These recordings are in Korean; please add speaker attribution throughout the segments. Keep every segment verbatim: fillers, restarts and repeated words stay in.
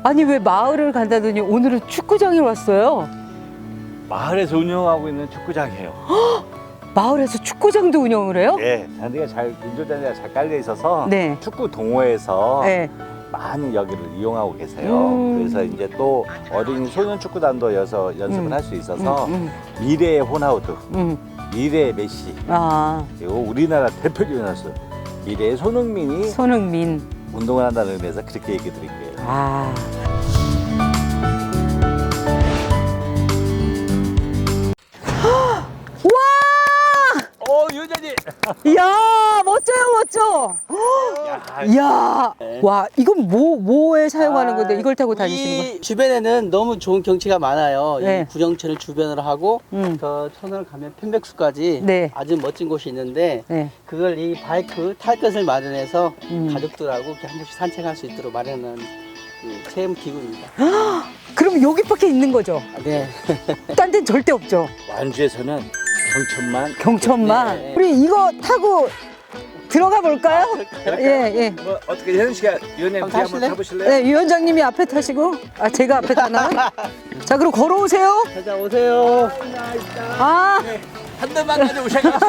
Speaker 1: 아니 왜 마을을 간다더니 오늘은 축구장에 왔어요?
Speaker 2: 마을에서 운영하고 있는 축구장이에요.
Speaker 1: 마을에서 축구장도 운영을 해요?
Speaker 2: 네, 잔디가 잘 인조잔디가 잘 깔려 있어서
Speaker 1: 네.
Speaker 2: 축구 동호회에서
Speaker 1: 네.
Speaker 2: 많이 여기를 이용하고 계세요.
Speaker 1: 음.
Speaker 2: 그래서 이제 또 어린이 소년 축구단도 여서 연습을
Speaker 1: 음.
Speaker 2: 할 수 있어서
Speaker 1: 음,
Speaker 2: 미래의 호나우두,
Speaker 1: 음.
Speaker 2: 미래의 메시,
Speaker 1: 아,
Speaker 2: 그리고 우리나라 대표적인 선수 미래의 손흥민이
Speaker 1: 손흥민.
Speaker 2: 운동을 한다는 의미에서 그렇게 얘기 드릴게요.
Speaker 1: 아. 와!
Speaker 2: 어, 유전이.
Speaker 1: 이야, 멋져요, 멋져.
Speaker 2: 야,
Speaker 1: 이야, 와, 이건 뭐, 뭐에 사용하는 건데 이걸 타고
Speaker 3: 우리
Speaker 1: 다니시는 거예요?
Speaker 3: 주변에는 너무 좋은 경치가 많아요.
Speaker 1: 네.
Speaker 3: 이 구령천을 주변으로 하고
Speaker 1: 음.
Speaker 3: 저 천원을 가면 편백수까지
Speaker 1: 네.
Speaker 3: 아주 멋진 곳이 있는데
Speaker 1: 네.
Speaker 3: 그걸 이 바이크 탈 것을 마련해서
Speaker 1: 음.
Speaker 3: 가족들하고 이렇게 한 번씩 산책할 수 있도록 마련한 그 체험 기구입니다.
Speaker 1: 그럼 여기밖에 있는 거죠?
Speaker 3: 네.
Speaker 1: 딴 데는 절대 없죠?
Speaker 2: 완주에서는 경천만.
Speaker 1: 경천만.
Speaker 3: 네.
Speaker 1: 우리 이거 타고 들어가 볼까요? 예, 예.
Speaker 2: 뭐 어떻게 혜연 씨가 위원님
Speaker 3: 한번
Speaker 2: 뒤에 한번
Speaker 3: 타실래요?
Speaker 2: 타보실래요?
Speaker 1: 네, 위원장님이 앞에 타시고, 아, 제가 앞에 타나요? 자, 그럼 걸어오세요.
Speaker 3: 자, 오세요.
Speaker 1: 아,
Speaker 2: 한 대만 가져오셔가지고.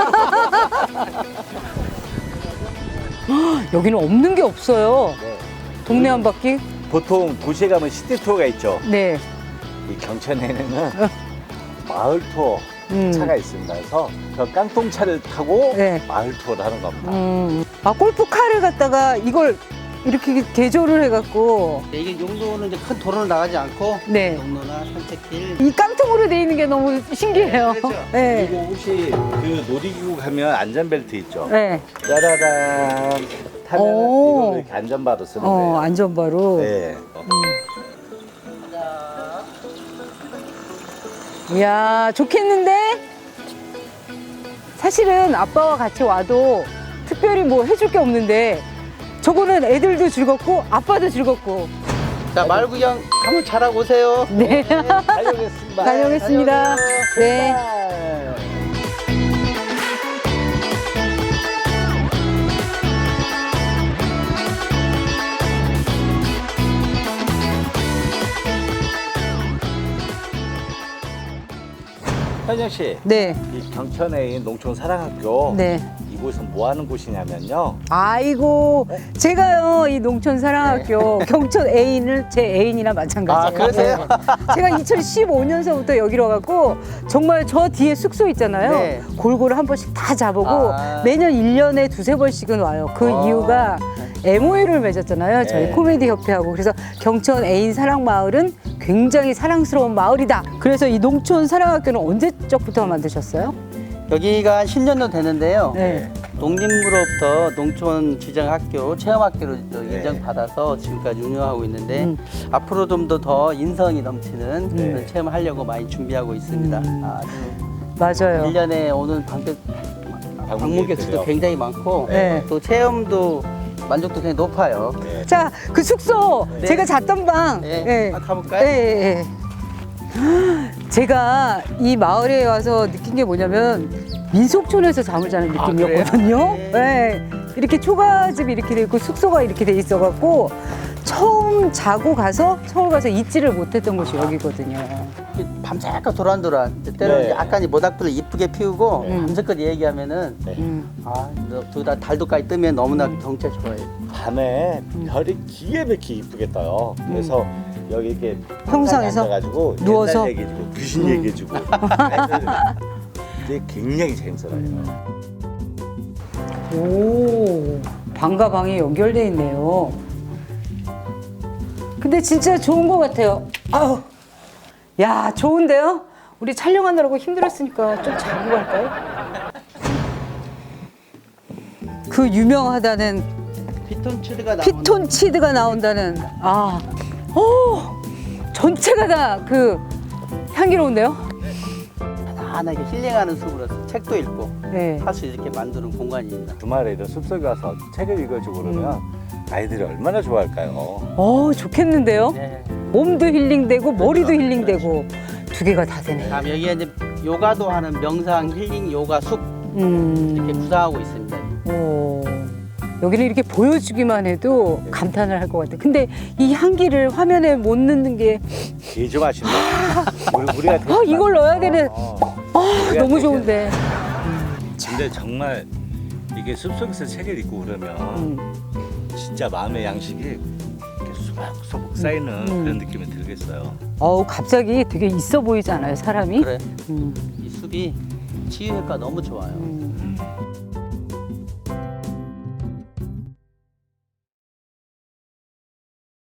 Speaker 1: 여기는 없는 게 없어요.
Speaker 2: 네.
Speaker 1: 동네 한 바퀴.
Speaker 2: 보통 도시에 가면 시티 투어가 있죠.
Speaker 1: 네.
Speaker 2: 이 경천에는 마을 투어
Speaker 1: 음.
Speaker 2: 차가 있습니다. 그래서 저 깡통차를 타고
Speaker 1: 네.
Speaker 2: 마을 투어를 하는 겁니다.
Speaker 1: 음. 아, 골프카를 갖다가 이걸 이렇게 개조를 해갖고,
Speaker 3: 네, 이게 용도는 이제 큰 도로를 나가지 않고
Speaker 1: 네.
Speaker 3: 용로나 산책길.
Speaker 1: 이 깡통으로 돼 있는 게 너무 신기해요. 네.
Speaker 2: 그리고 혹시 그 놀이기구 가면 안전벨트 있죠?
Speaker 1: 네.
Speaker 2: 짜라란 타면
Speaker 1: 오.
Speaker 2: 이걸로 이렇게 안전바로 쓰는
Speaker 1: 어,
Speaker 2: 거예요.
Speaker 1: 안전바로.
Speaker 2: 네.
Speaker 1: 이야, 좋겠는데? 사실은 아빠와 같이 와도 특별히 뭐 해줄 게 없는데 저거는 애들도 즐겁고 아빠도 즐겁고.
Speaker 3: 자, 마을 구경 한번 잘하고 오세요.
Speaker 1: 네.
Speaker 2: 다녀오겠습니다.
Speaker 1: 다녀오겠습니다. 네.
Speaker 2: 현영 씨,
Speaker 1: 네.
Speaker 2: 이 경천에 있는 농촌 사랑학교
Speaker 1: 네.
Speaker 2: 이곳은 뭐 하는 곳이냐면요.
Speaker 1: 아이고, 제가요, 이 농촌사랑학교 경천 애인을 제 애인이나 마찬가지예요.
Speaker 3: 아, 그러세요?
Speaker 1: 네. 제가 이천십오 년서부터 여기로 와갖고 정말 저 뒤에 숙소 있잖아요.
Speaker 3: 네.
Speaker 1: 골고루 한 번씩 다 자보고
Speaker 3: 아.
Speaker 1: 매년 일 년에 두세 번씩은 와요. 그
Speaker 3: 아.
Speaker 1: 이유가 엠오유를 맺었잖아요. 저희
Speaker 2: 네.
Speaker 1: 코미디 협회하고. 그래서 경천 애인 사랑 마을은 굉장히 사랑스러운 마을이다. 그래서 이 농촌 사랑학교는 언제적부터 만드셨어요?
Speaker 3: 여기가 한 십 년도 되는데요.
Speaker 1: 네.
Speaker 3: 농림부로부터 농촌 지정학교, 체험학교로
Speaker 2: 네.
Speaker 3: 인정받아서 지금까지 운영하고 있는데
Speaker 1: 음.
Speaker 3: 앞으로 좀 더 더 인성이 넘치는
Speaker 2: 네.
Speaker 3: 그런 체험을 하려고 많이 준비하고 있습니다.
Speaker 1: 음.
Speaker 3: 아주
Speaker 1: 맞아요.
Speaker 3: 일 년에 오는 방문, 방문 객수도 굉장히 많고
Speaker 1: 네.
Speaker 3: 또 체험도 만족도 굉장히 높아요.
Speaker 2: 네.
Speaker 1: 자, 그 숙소
Speaker 3: 네.
Speaker 1: 제가 잤던 방.
Speaker 3: 네.
Speaker 1: 예.
Speaker 3: 아, 가볼까요?
Speaker 1: 예, 예, 예. 제가 이 마을에 와서 느낀 게 뭐냐면 민속촌에서 잠을 자는
Speaker 3: 아,
Speaker 1: 느낌이었거든요.
Speaker 3: 그래요?
Speaker 1: 예. 이렇게 초가집이 이렇게 돼 있고 숙소가 이렇게 돼 있어갖고 처음 자고 가서 서울 가서 잊지를 못했던 곳이 여기거든요.
Speaker 3: 밤새껏 도란도란 때로는
Speaker 2: 네.
Speaker 3: 약간 이 모닥불을 이쁘게 피우고
Speaker 1: 음.
Speaker 3: 밤새껏 얘기하면은
Speaker 1: 음.
Speaker 3: 아, 두다 달도까지 뜨면 너무나 경치가 좋아요.
Speaker 2: 밤에 별이 기가 막히게 이쁘게 떠요. 그래서 여기 이렇게
Speaker 1: 평상에서
Speaker 2: 가지고
Speaker 1: 누워서?
Speaker 2: 옛날 얘기해주고 귀신
Speaker 1: 음.
Speaker 2: 얘기해주고 이제 굉장히 재밌어요.
Speaker 1: 오, 방과 방이 연결돼 있네요. 근데 진짜 좋은 것 같아요. 아우, 야, 좋은데요? 우리 촬영하느라고 힘들었으니까 좀 자고 갈까요? 그 유명하다는
Speaker 3: 피톤치드가 나오는
Speaker 1: 피톤치드가 나온다는, 아, 오, 전체가 다 그 향기로운데요?
Speaker 3: 편안하게 힐링하는 숲으로서 책도 읽고
Speaker 1: 네.
Speaker 3: 할 수 있게 만드는 공간입니다.
Speaker 2: 주말에 이런 숲속에 가서 책을 읽어주고 그러면 아이들이 얼마나 좋아할까요?
Speaker 1: 어, 좋겠는데요?
Speaker 3: 네.
Speaker 1: 몸도 힐링되고 머리도 힐링되고 두 개가 다 되네.
Speaker 3: 다음 여기에 이제 요가도 하는 명상 힐링 요가 숲
Speaker 1: 음.
Speaker 3: 이렇게 구성하고 있습니다.
Speaker 1: 오. 여기는 이렇게 보여주기만 해도 감탄을 할 것 같아. 근데 이 향기를 화면에 못 넣는 게
Speaker 2: 되게 맛있네. 우리, 우리가 되게
Speaker 1: 아, 이걸 넣어야
Speaker 2: 맛있어.
Speaker 1: 되네.
Speaker 2: 어.
Speaker 1: 아,
Speaker 2: 우리가
Speaker 1: 너무
Speaker 2: 되게-
Speaker 1: 좋은데.
Speaker 4: 근데 정말 이게 숲속에서 책을 읽고 그러면
Speaker 1: 음.
Speaker 4: 진짜 마음의 양식이 이렇게 소복소복 쌓이는
Speaker 1: 음.
Speaker 4: 그런 느낌이 들겠어요.
Speaker 1: 어우, 갑자기 되게 있어 보이지 않아요, 사람이?
Speaker 3: 그래
Speaker 1: 음.
Speaker 3: 이 숲이 치유 효과 너무 좋아요.
Speaker 1: 음.